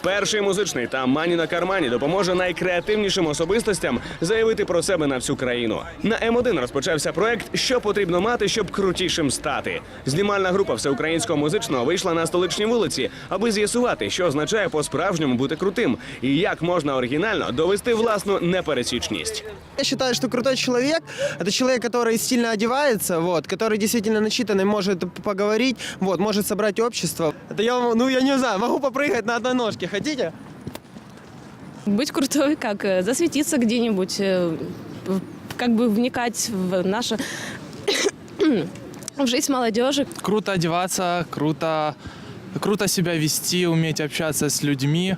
Перший музичний та «Мані на кармані» допоможе найкреативнішим особистостям заявити про себе на всю країну. На М1 розпочався проект «Що потрібно мати, щоб крутішим стати?». Знімальна група всеукраїнського музичного вийшла на столичні вулиці, аби з'ясувати, що означає по-справжньому бути крутим і як можна оригінально довести власну непересічність. Я считаю, что крутой человек – это человек, который стильно одевается, который действительно начитанный, может поговорить, может собрать общество. Это я не знаю, могу попрыгать на одной ножке. Хотите? Быть крутой, как засветиться где-нибудь, как бы вникать в нашу в жизнь молодежи. Круто одеваться, круто себя вести, уметь общаться с людьми.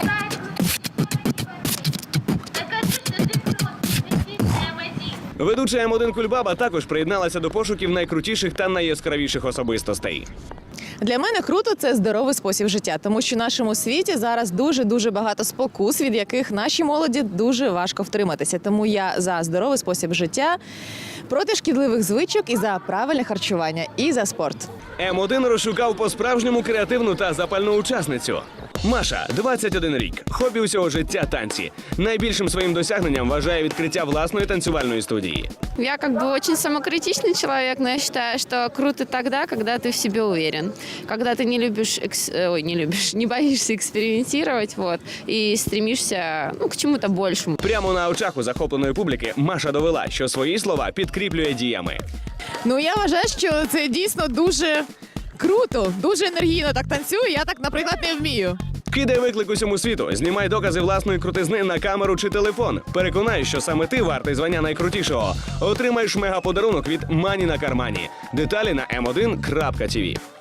Ведуча М1 Кульбаба також приєдналася до пошуків найкрутіших та найяскравіших особистостей. Для мене круто – це здоровий спосіб життя, тому що в нашому світі зараз дуже багато спокус, від яких нашій молоді дуже важко втриматися. Тому я за здоровий спосіб життя, проти шкідливих звичок і за правильне харчування, і за спорт. М1 розшукав по-справжньому креативну та запальну учасницю. Маша, 21 рік, хобі усього життя – танці. Найбільшим своїм досягненням вважає відкриття власної танцювальної студії. Я очень самокритичный человек, но я считаю, что круто тогда, когда ты в себе уверен. Когда ты не боишься экспериментировать, и стремишься к чему-то большему. Прямо на очах у захопленої публіки Маша довела, що свої слова підкріплює діями. Я вважаю, що це дійсно дуже круто, дуже енергійно так танцюю, я так, наприклад, не вмію. Кидай виклик усьому світу, знімай докази власної крутизни на камеру чи телефон. Переконай, що саме ти вартий звання найкрутішого. Отримаєш мегаподарунок від «Мані на кармані». Деталі на m1.tv.